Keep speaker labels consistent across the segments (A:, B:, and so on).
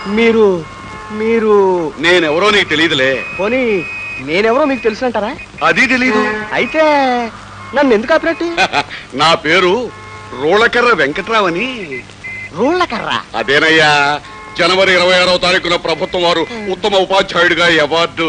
A: మీరు మీరు
B: నేనెవరో నీకు తెలియదులే.
A: పోనీ నేనెవరో మీకు తెలుసుంటారా?
B: అది తెలీదు.
A: అయితే నన్ను ఎందుకు ఆపినట్టు?
B: నా పేరు రోళకర్ర వెంకట్రావు అని.
A: రోళ్ళకర్ర?
B: అదేనయ్యా, జనవరి 26వ తారీఖున ప్రభుత్వం వారు ఉత్తమ ఉపాధ్యాయుడిగా అవార్డు.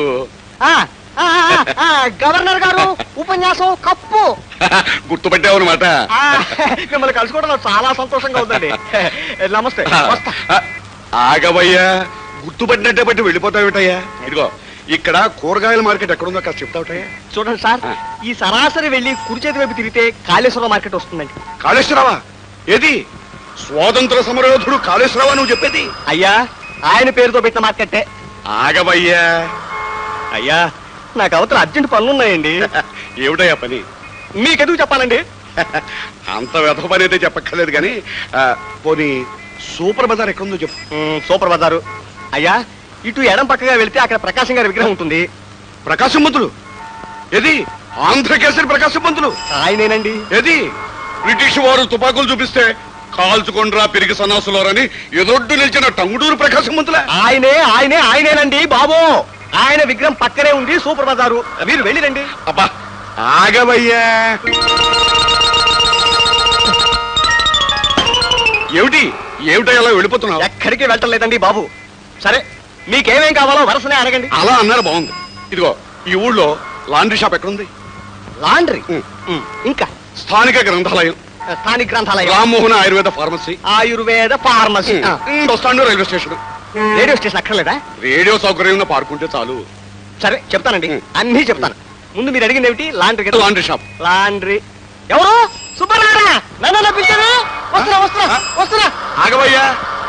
A: గవర్నర్ గారు ఉపన్యాసం కప్పు.
B: గుర్తుపెట్టావు అనమాట.
A: మిమ్మల్ని కలుసుకోవడం నాకు చాలా సంతోషంగా ఉందండి. నమస్తే.
B: ఆగవయ్యా, గుర్తుపట్టినట్టే బట్టి వెళ్ళిపోతావుటయ్యా. ఇదిగో, ఇక్కడ కూరగాయల మార్కెట్ ఎక్కడుందో కాస్త చెప్తావుటయ్యా.
A: చూడండి సార్, ఈ సరాసరి వెళ్ళి కుడి చేతి వైపు తిరిగితే కాళేశ్వరం మార్కెట్ వస్తుందండి.
B: కాళేశ్వరవా? ఏది స్వాతంత్ర సమరయోధుడు కాళేశ్వరవా నువ్వు చెప్పేది?
A: అయ్యా, ఆయన పేరుతో పెట్టిన మార్కెట్టే.
B: ఆగవయ్యా.
A: అయ్యా, నాకు అవతల అర్జెంట్ పనులున్నాయండి.
B: ఏమిటయ్యా పని?
A: మీకెందుకు చెప్పాలండి?
B: అంత వ్యధ పని అయితే చెప్పక్కర్లేదు కానీ పోనీ సూపర్ బజార్ ఎక్కడుందో చెప్పు.
A: సూపర్ బజారు అయ్యా, ఇటు ఎడం పక్కగా వెళ్తే అక్కడ ప్రకాశం గారి విగ్రహం ఉంటుంది.
B: ప్రకాశం పంతులు? ఏది ఆంధ్రకేసరి ప్రకాశం పంతులు?
A: ఆయనేనండి.
B: ఏది బ్రిటిష్ వారు తుపాకులు చూపిస్తే కాల్చుకొండ్రా పెరిగి సన్నాసులోరని ఎదొడ్డు నిలిచిన టంగుడూరు ప్రకాశం పంతుల?
A: ఆయనేనండి బాబు. ఆయన విగ్రహం పక్కనే ఉంది సూపర్ బజారు. మీరు వెళ్ళిరండి.
B: అబ్బా ఆగవయ్యా. ఏమిటా అలా వెళ్ళిపోతున్నావు?
A: ఎక్కడికి వెళ్ళలేదండి బాబు. సరే, మీకేమేం కావాలో వరుసనే అడగండి.
B: అలా అన్నారు బాగుంది. ఇదిగో, ఈ ఊళ్ళో లాండ్రీ షాప్ ఎక్కడుంది?
A: లాండ్రీ? ఇంకా
B: స్థానిక గ్రంథాలయం?
A: స్థానిక గ్రంథాలయం.
B: Rammohan Ayurveda pharmacy?
A: Ayurveda pharmacy.
B: Bus stand, railway station.
A: Radio station అక్కర్లేదా?
B: రేడియో సౌకర్యం పాడుకుంటే చాలు.
A: సరే చెప్తానండి, అన్నీ చెప్తాను. ముందు మీరు అడిగింది ఏమిటి? లాండ్రీ.
B: Laundry shop.
A: లాండ్రీ. ఎవరు? సుబ్బరారా? నన్ను పిలిచారు. వస్తున్నా.
B: ఆగవయ్యా.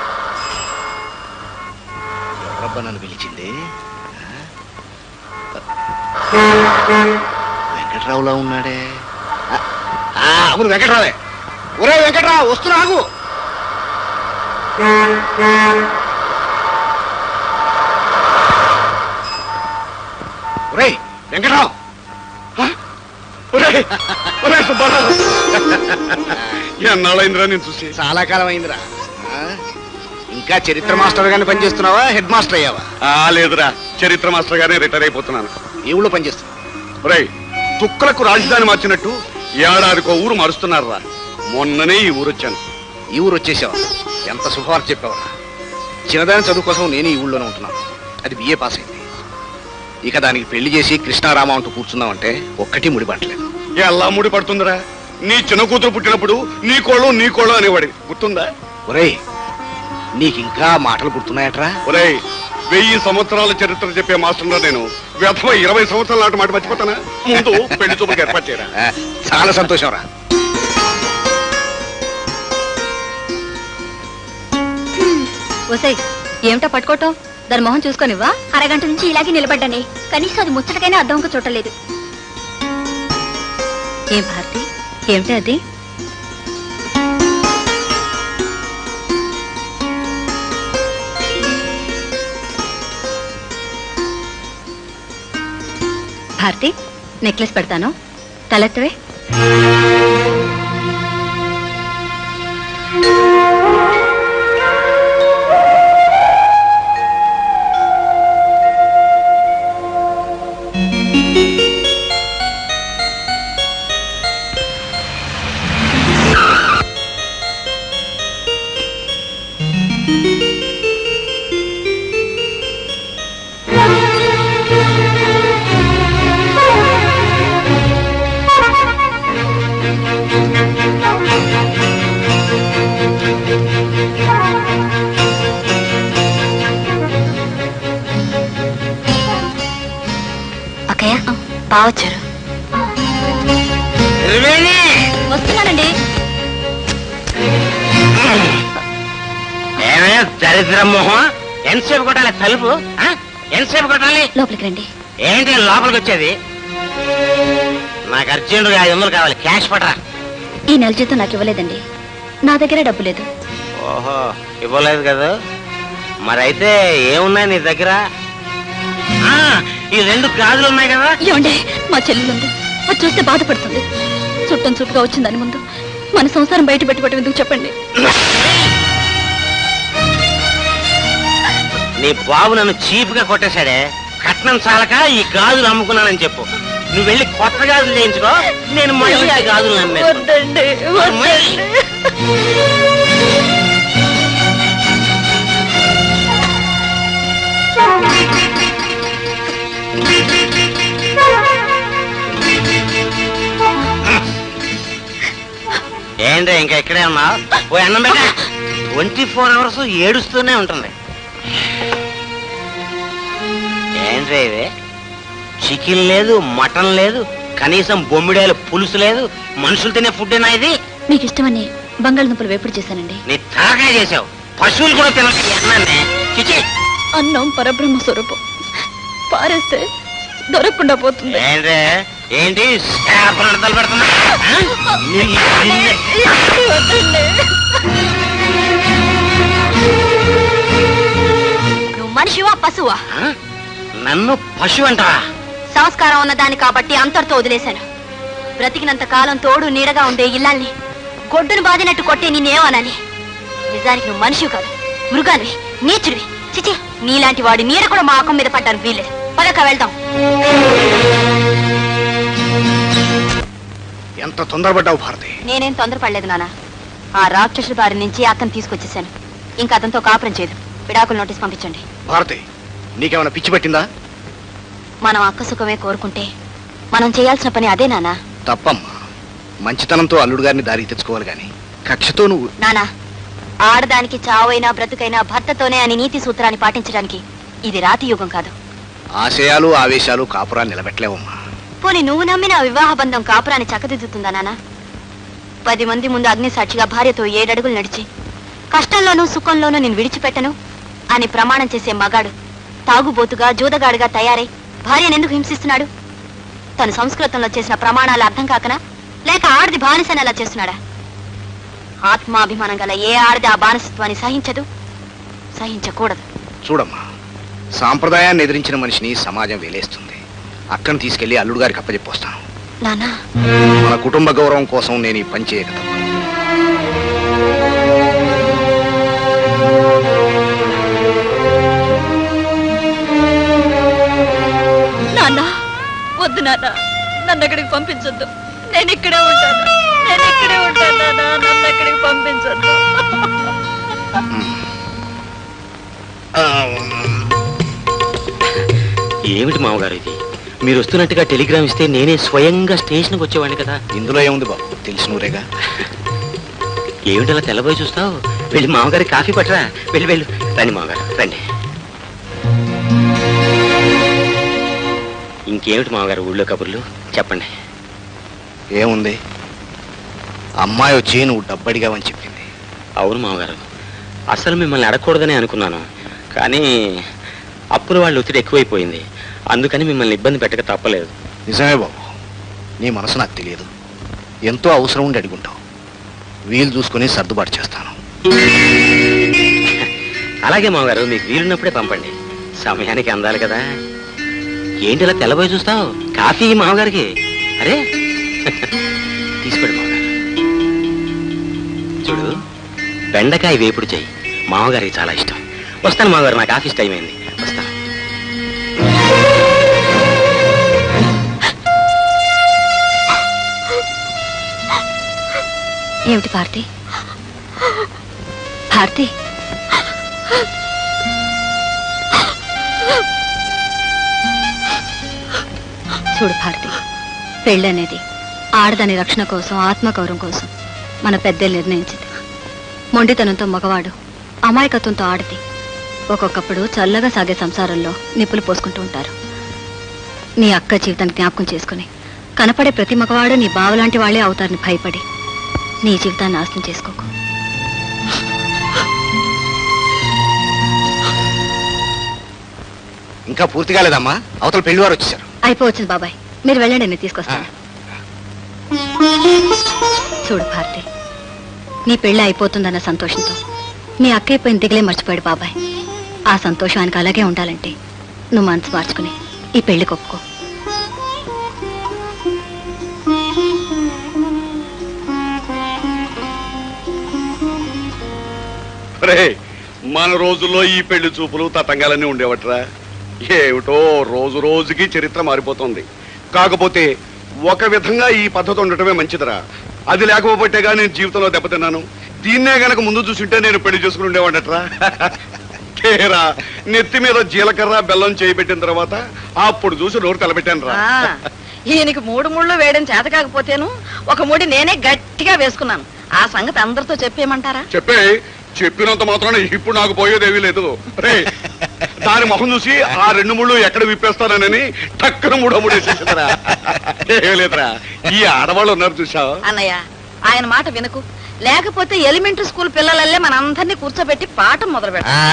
C: ఎవరబ్బా నన్ను పిలిచింది? వెంకట్రావులా ఉన్నాడే.
B: అవును, వెంకట్రావే. ఒరే వెంకట్రావు, వస్తున్నా, ఆగు. ఒరే వెంకట్రావు. ఒరే సుబ్బారావు. ఎన్నాళ్ళైందిరా నేను చూసి?
C: చాలా కాలం అయిందిరా. ఇంకా చరిత్ర మాస్టర్ గానే పనిచేస్తున్నావా? హెడ్ మాస్టర్ అయ్యావా?
B: లేదురా, చరిత్ర మాస్టర్ గానే రిటైర్ అయిపోతున్నాను.
C: ఈ ఊళ్ళో పనిచేస్తున్నా.
B: ఒరే, తుక్కలకు రాజధాని మార్చినట్టు ఏడాదికో ఊరు మారుస్తున్నారా? మొన్ననే ఈ ఊరు వచ్చాను.
C: ఈ ఊరు వచ్చేసావా? ఎంత శుభవార్త చెప్పావరా. చిన్నదాని చదువు కోసం నేను ఈ ఊళ్ళోనే ఉంటున్నాను. అది బిఏ పాస్ అయింది. ఇక దానికి పెళ్లి చేసి కృష్ణారామ అంటూ కూర్చున్నామంటే ఒక్కటి ముడిపట్టలేదు.
B: ఎలా ముడి పడుతుందిరా? నీ చిన్న కూతురు పుట్టినప్పుడు నీ కోళ్ళు అనేవాడి, గుర్తుందా?
C: ఒరేయ్, నీకింకా మాటలు గుర్తున్నాయట్రా?
B: ఒరేయ్, 1000 సంవత్సరాల చరిత్ర చెప్పే మాస్టర్ నేను వ్యర్థమ 20 సంవత్సరాల నాటి మాట మర్చిపోతానా? ముందు పెళ్లి చూపులకు ఏర్పాటు చేయరా.
C: చాలా సంతోషం రా.
D: ఏమిటా పట్టుకోవటం? దాని మొహం చూసుకొనివ్వా? అరగంట నుంచి ఇలాగే నిలబడ్డానే, కనీసం అది ముచ్చటకైనా అర్థంగా చూడలేదు. ఏం భారతి, ఏమిటి అది? భారతి, నెక్లెస్ పెడతాను, తలెత్తవే. బావచ్చారు. వస్తున్నానండి.
E: దరిద్ర మొహం, ఎంతసేపు కొట్టాలి తలుపు? ఎంతసేపు కొట్టాలి?
D: లోపలికి రండి.
E: ఏంటి లోపలికి వచ్చేది? నాకు అర్జెంటుగా 500 కావాలి, క్యాష్ పట్టరా.
D: ఈ నెల జీతం నాకు ఇవ్వలేదండి, నా దగ్గర డబ్బు లేదు.
E: ఓహో, ఇవ్వలేదు కదా? మరైతే ఏమున్నాయి నీ దగ్గర? ఈ 2 గాజులు ఉన్నాయి కదా.
D: ఏమండి, మా చెల్లెలు ఉంది, అది చూస్తే బాధపడుతుంది. చుట్టం చుట్టుగా వచ్చిందని ముందు మన సంసారం బయట పెట్టుకోవటం ఎందుకు చెప్పండి.
E: నీ బాబు నన్ను చీప్ గా కొట్టేశాడే. కట్నం చాలక ఈ గాజులు అమ్ముకున్నానని చెప్పు. నువ్వు వెళ్ళి కొత్త గాజులు చేయించుకో, నేను మళ్ళీ ఆ గాజులు ఏంటి ఇంకా ఇక్కడే ఉన్నావు? ఓ అన్నం పెట్ట. 24 hours ఏడుస్తూనే ఉంటుంది. ఏంట్రా ఇది? చికెన్ లేదు, మటన్ లేదు, కనీసం బొమ్మిడాయల పులుసు లేదు. మనుషులు తినే ఫుడ్ ఏనా ఇది?
D: మీకు ఇష్టమని బంగాళదుంపలు వేపుడు చేశానండి.
E: నీ తలకాయ చేసావు. పశువులు కూడా తినట్టు అన్నాన్ని. చిచి,
D: అన్నం పరబ్రహ్మ స్వరూపం, పారేస్తే దొరకకుండా పోతుంది.
E: ఏంట్రా ఏంటి శాపనడతలు పెడుతున్నా?
D: నువ్వు మనిషివా పశువా?
E: నన్ను పశువు అంటావా?
D: సంస్కారం ఉన్నదాన్ని కాబట్టి అంతటితో వదిలేశాను. బ్రతికినంత కాలం తోడు నీడగా ఉండే ఇల్లాల్ని గొడ్డును బాదినట్టు కొట్టే నిన్నేమనాలి? నిజానికి నువ్వు మనిషివి కాదు, మృగానివి, నీచుడివి. చిచి, నీలాంటి వాడి నీడ కూడా మా ఆకం మీద పడ్డాను. వీల్లేదు, పదక వెళ్దాం.
C: ఎంత తొందరపడ్డావు భారతి?
D: నేనేం తొందరపడలేదు నాన్న. ఆ రాక్షసుల బారి నుంచి అతను తీసుకొచ్చేసాను. ఇంకా అతనితో కాపురం చేయదు. విడాకుల నోటీస్ పంపించండి.
C: భారతి, నీకేమైనా పిచ్చి పట్టిందా?
D: మనం అక్క సుఖమే కోరుకుంటే మనం చేయాల్సిన పని అదే నాన్న.
C: తప్పమ్మా. మంచితనంతో అల్లుడు గారిని దారికి తెచ్చుకోవాలి గాని కక్షతో నువ్వు.
D: నానా, ఆడదానికి చావైనా బ్రతుకైనా భర్తతోనే అని నీతి సూత్రాన్ని పాటించడానికి ఇది రాతి యుగం కాదు.
C: ఆశయాలు ఆవేశాలు కాపురాన్ని నిలబెట్టలేవమ్మా.
D: పోనీ నువ్వు నమ్మిన ఆ వివాహ బంధం కాపురాన్ని చక్కదిద్దుతుందా నాన్న? 10 మంది ముందు అగ్ని సాక్షిగా భార్యతో 7 అడుగులు నడిచి కష్టంలోనూ సుఖంలోనూ నేను విడిచిపెట్టను అని ప్రమాణం చేసే మగాడు తాగుబోతుగా జూదగాడుగా తయారై భార్యనెందుకు హింసిస్తున్నాడు? తను సంస్కృతంలో చేసిన ప్రమాణాలు అర్థం కాకనా, లేక ఆడది బానిసని అలా చేస్తున్నాడా? ఆత్మాభిమానం గల ఏ ఆడది ఆ బానిసత్వాన్ని సహించదు, సహించకూడదు.
C: చూడమ్మా, సాంప్రదాయాన్ని ఎదిరించిన మనిషిని సమాజం వేలేస్తుంది. అక్కను తీసుకెళ్లి అల్లుడు గారికి అప్పచెప్పొస్తాను.
D: నానా,
C: మన కుటుంబ గౌరవం కోసం నేను ఈ పని చేయక తప్పదు.
D: నాన్న, వద్దు నాన్న, నన్ను అక్కడికి పంపించొద్దు. నేను ఇక్కడే ఉంటాను, నేను ఇక్కడే ఉంటాను నాన్న, నన్ను అక్కడికి పంపించొద్దు.
E: ఏమిటి మామగారు ఇది? మీరు వస్తున్నట్టుగా టెలిగ్రామ్ ఇస్తే నేనే స్వయంగా స్టేషన్కి వచ్చేవాడిని కదా.
C: ఇందులో ఏముంది బాబు, తెలిసినూరేగా.
E: ఏమిటి అలా తెల్లబోయి చూస్తావు? వెళ్ళి మామగారి కాఫీ పట్టరా. వెళ్ళి వెళ్ళు. రండి మామగారు, రండి. ఇంకేమిటి మామగారు ఊళ్ళో కబుర్లు చెప్పండి.
C: ఏముంది, అమ్మాయి వచ్చి నువ్వు డబ్బడిగావని చెప్పింది.
E: అవును మామగారు, అసలు మిమ్మల్ని అడగకూడదని అనుకున్నాను. కానీ అప్పుల వాళ్ళు ఒత్తిడి ఎక్కువైపోయింది. అందుకని మిమ్మల్ని ఇబ్బంది పెట్టక తప్పలేదు.
C: నిజమే బాబు, నీ మనసు నాకు తెలియదు. ఎంతో అవసరం ఉండి అడుగుంటావు. వీలు చూసుకుని సర్దుబాటు చేస్తాను.
E: అలాగే మామగారు, మీకు వీలున్నప్పుడే పంపండి. సమయానికి అందాలి కదా. ఏంటి ఇలా తెల్లబోయి చూస్తావు? కాఫీ మామగారికి. అరే తీసుకోండి మామగారు. చూడు, బెండకాయ వేపుడు చెయ్యి, మామగారికి చాలా ఇష్టం. వస్తాను మామగారు, నాకు ఆఫీస్ టైం అయింది. వస్తాను.
D: ఏమిటి భారతి? భారతి, చూడు భారతి, పెళ్ళనేది ఆడదాని రక్షణ కోసం, ఆత్మగౌరవం కోసం మన పెద్దలు నిర్ణయించింది. మొండితనంతో మగవాడు, అమాయకత్వంతో ఆడది ఒక్కొక్కప్పుడు చల్లగా సాగే సంసారంలో నిప్పులు పోసుకుంటూ ఉంటారు. నీ అక్క జీవితాన్ని జ్ఞాపకం చేసుకుని కనపడే ప్రతి మగవాడు నీ బావలాంటి వాళ్ళే అవుతారని భయపడి నీ జీవితాన్ని నాశనం చేసుకోకు.
C: ఇంకా పూర్తి కాలేదమ్మా, అవతల పెళ్లివారు వచ్చేసారు.
D: అయిపోవచ్చింది బాబాయ్, మీరు వెళ్ళండి, నేను తీసుకొస్తాను. చూడు భారతి, నీ పెళ్లి అయిపోతుందన్న సంతోషంతో మీ అక్క అయిపోయిన దిగులే మర్చిపోయాడు బాబాయ్. ఆ సంతోషం ఆయనకు అలాగే ఉండాలంటే నువ్వు మనసు మార్చుకుని ఈ పెళ్లి ఒప్పుకో.
B: మన రోజుల్లో ఈ పెళ్లి చూపులు తతంగాలన్నీ ఉండేవట్రా. ఏమిటో రోజు రోజుకి చరిత్ర మారిపోతుంది. కాకపోతే ఒక విధంగా ఈ పద్ధతి ఉండటమే మంచిదిరా. అది లేకపోతేగా నేను జీవితంలో దెబ్బతిన్నాను. దీన్నే గనక ముందు చూసింటే నేను పెళ్లి చేసుకుని ఉండేవాడట్రా. కేరా నెత్తి మీద జీలకర్ర బెల్లం చేయబెట్టిన తర్వాత అప్పుడు చూసి నోరు తలబెట్టాను రా.
F: ఈయనకి 3 ముళ్ళు వేయడం చేత కాకపోతేను ఒక ముడి నేనే గట్టిగా వేసుకున్నాను. ఆ సంగతి అందరితో చెప్పేయమంటారా?
B: చెప్పినంత మాత్రాన ఇప్పుడు నాకు పోయేదేమీ లేదు. రే దాని మొహం చూసి ఆ 2 ముళ్ళు ఎక్కడ విప్పేస్తానని టక్కన 3వ ముడి వేసేసిందిరా. ఏమీ లేదురా, ఈ ఆడవాళ్ళు ఉన్నారు చూసావా.
F: అన్నయ్య ఆయన మాట వినకు, లేకపోతే ఎలిమెంటరీ స్కూల్ పిల్లలల్లే మనందరినీ కూర్చోబెట్టి పాఠం మొదలు పెట్టాలి.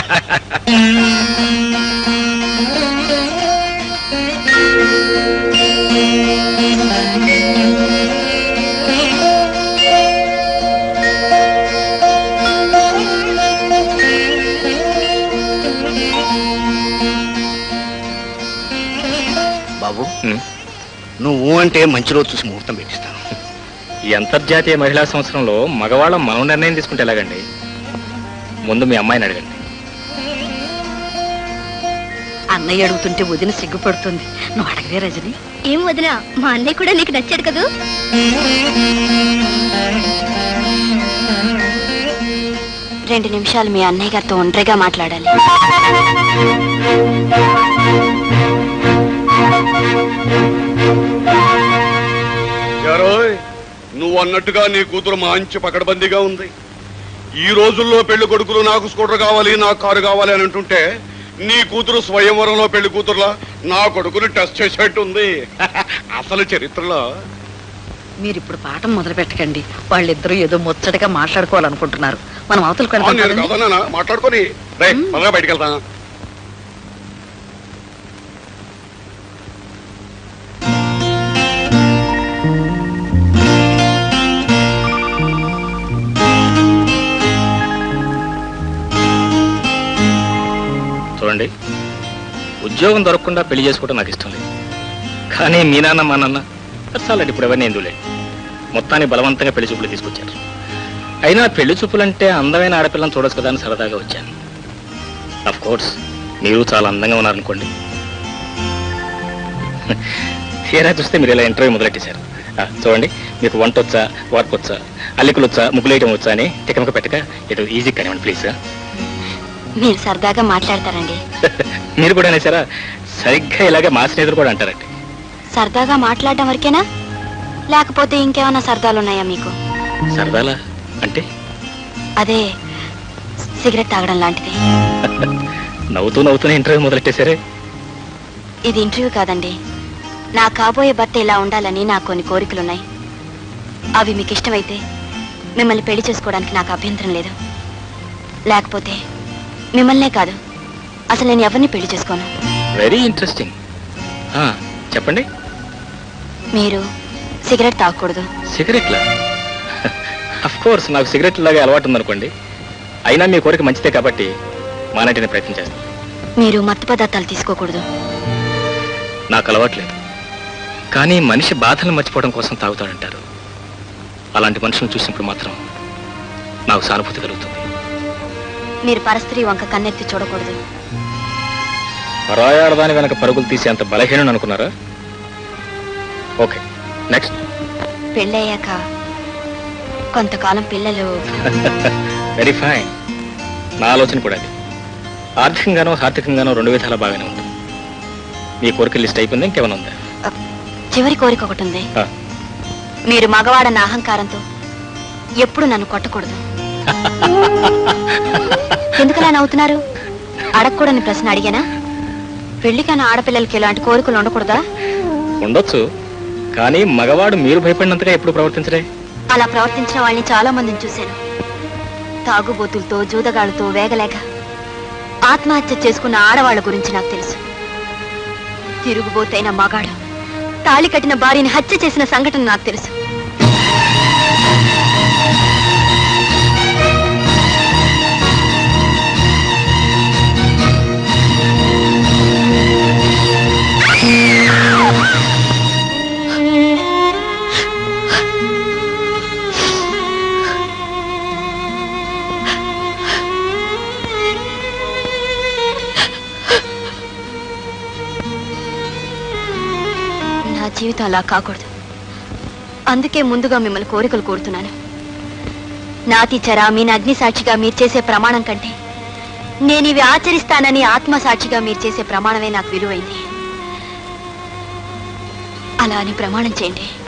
C: బాబు నువ్వు అంటే మంచి రోజు చూసి ముహూర్తం పెట్టిస్తాను.
G: ఈ అంతర్జాతీయ మహిళా సంవత్సరంలో మగవాళ్ళం మనం నిర్ణయం తీసుకుంటే ఎలాగండి? ముందు మీ అమ్మాయిని అడగండి.
F: అన్నయ్య అడుగుతుంటే వదిన సిగ్గుపడుతుంది. నువ్వు అడగవే రజని.
D: ఏం వదినా, మా అన్నయ్య కూడా నీకు నచ్చాడు కదూ? 2 నిమిషాలు మీ అన్నయ్య గారితో ఒంటరిగా మాట్లాడాలి.
B: నువ్వు అన్నట్టుగా నీ కూతురు మంచి పకడ్బందీగా ఉంది. ఈ రోజుల్లో పెళ్లి కొడుకులు నాకు స్కూటర్ కావాలి, నాకు కారు కావాలి అని అంటుంటే నీ కూతురు స్వయంవరంలో పెళ్లి కూతురులా నా కొడుకుని టెస్ట్ చేసేట్టు ఉంది. అసలు చరిత్రలో
F: మీరు ఇప్పుడు పాఠం మొదలు పెట్టకండి. వాళ్ళిద్దరూ ఏదో ముచ్చటగా మాట్లాడుకోవాలనుకుంటున్నారు. మనం అవతలకు
B: నేను కాదన్నా మాట్లాడుకొని రే త్వరగా బయటికి వెళ్తా.
G: చూడండి, ఉద్యోగం దొరకకుండా పెళ్లి చేసుకోవడం నాకు ఇష్టం లేదు. కానీ మీ నాన్న మా నాన్న చాలండి, ఇప్పుడు ఎవరిని ఎందులే మొత్తాన్ని బలవంతంగా పెళ్లి చూపులు తీసుకొచ్చారు. అయినా పెళ్లి చూపులంటే అందమైన ఆడపిల్లని చూడొచ్చు కదా అని సరదాగా వచ్చాను. అఫ్ కోర్స్ మీరు చాలా అందంగా ఉన్నారనుకోండి. తీరా చూస్తే మీరు ఇలా ఇంటర్వ్యూ మొదలెట్టేశారు. చూడండి, మీకు వంట వచ్చా, వార్పు వచ్చా, అల్లికలు వచ్చా, ముగ్గులేయటం వచ్చా అని తికమక పెట్టక ఇటు ఈజీ కానివ్వండి ప్లీజ్.
D: మీరు సరదాగా మాట్లాడతారండి.
G: మీరు కూడా అనేసారా? సరిగ్గా ఇలాగే మా స్నేహితులు కూడా అంటారండి.
D: సరదాగా మాట్లాడడం వరకేనా, లేకపోతే ఇంకేమైనా సరదాలు ఉన్నాయా మీకు?
G: సరదాలా అంటే?
D: అదే సిగరెట్ తాగడం లాంటిది.
G: నవ్వుతూ నవ్వుతూనే ఇంటర్వ్యూ మొదలెట్టేశారే.
D: ఇది ఇంటర్వ్యూ కాదండి. నా కాబోయే భర్త ఇలా ఉండాలని నాకు కొన్ని కోరికలున్నాయి. అవి మీకు ఇష్టమైతే మిమ్మల్ని పెళ్లి చేసుకోవడానికి నాకు అభ్యంతరం లేదు. లేకపోతే మిమ్మల్నే కాదు, అసలు నేను ఎవరిని పెళ్లి చేసుకోను.
G: Very interesting. చెప్పండి.
D: మీరు సిగరెట్ తాగకూడదు.
G: సిగరెట్లా? అఫ్ కోర్స్ నాకు సిగరెట్ లాగే అలవాటు ఉందనుకోండి. అయినా మీ కోరిక మంచిదే కాబట్టి మానేటిని ప్రయత్నం చేస్తాను.
D: మీరు మత్తు పదార్థాలు తీసుకోకూడదు.
G: నాకు అలవాట్లేదు, కానీ మనిషి బాధలను మర్చిపోవడం కోసం తాగుతాడంటారు. అలాంటి మనుషులను చూసినప్పుడు మాత్రం నాకు సానుభూతి కలుగుతుంది.
D: మీరు పరస్త్రీ వంక కన్నెత్తి చూడకూడదు.
G: పరాయాడదాని వెనక పరుగులు తీసే అంత బలహీనం అనుకున్నారా? Okay, next.
D: పెళ్ళయ్యాక కొంతకాలం పిల్లలు.
G: Very fine. నా ఆలోచన కూడా అది. ఆర్థికంగానో హార్దికంగానో 2 విధాల బాగానే ఉంది. మీ కోరిక లిస్ట్ అయిపోయింది, ఇంకేమైనా ఉందా?
D: చివరి కోరిక ఒకటి ఉంది. మీరు మగవాడన్న అహంకారంతో ఎప్పుడు నన్ను కొట్టకూడదు. ఎందుకలా నవ్వుతున్నారు? అడగకూడని ప్రశ్న అడిగానా? పెళ్లికైనా ఆడపిల్లలకి ఇలాంటి కోరికలు ఉండకూడదా?
G: ఉండొచ్చు, కానీ మగవాడు మీరు భయపడినంతగా ఎప్పుడు ప్రవర్తించరే.
D: అలా ప్రవర్తించిన వాళ్ళని చాలా మందిని చూశాను. తాగుబోతులతో, జూదగాళ్ళతో వేగలేక ఆత్మహత్య చేసుకున్న ఆడవాళ్ల గురించి నాకు తెలుసు. తిరుగుబోతైన మగాడు తాళి కట్టిన భార్యని హత్య చేసిన సంఘటన నాకు తెలుసు. జీవితం అలా కాకూడదు. అందుకే ముందుగా మిమ్మల్ని కోరికలు కోరుతున్నాను. నాతి చరా మీన అగ్ని సాక్షిగా మీరు చేసే ప్రమాణం కంటే నేను ఇవి ఆచరిస్తానని ఆత్మ సాక్షిగా మీరు చేసే ప్రమాణమే నాకు విలువైంది. అలా అని ప్రమాణం చేయండి.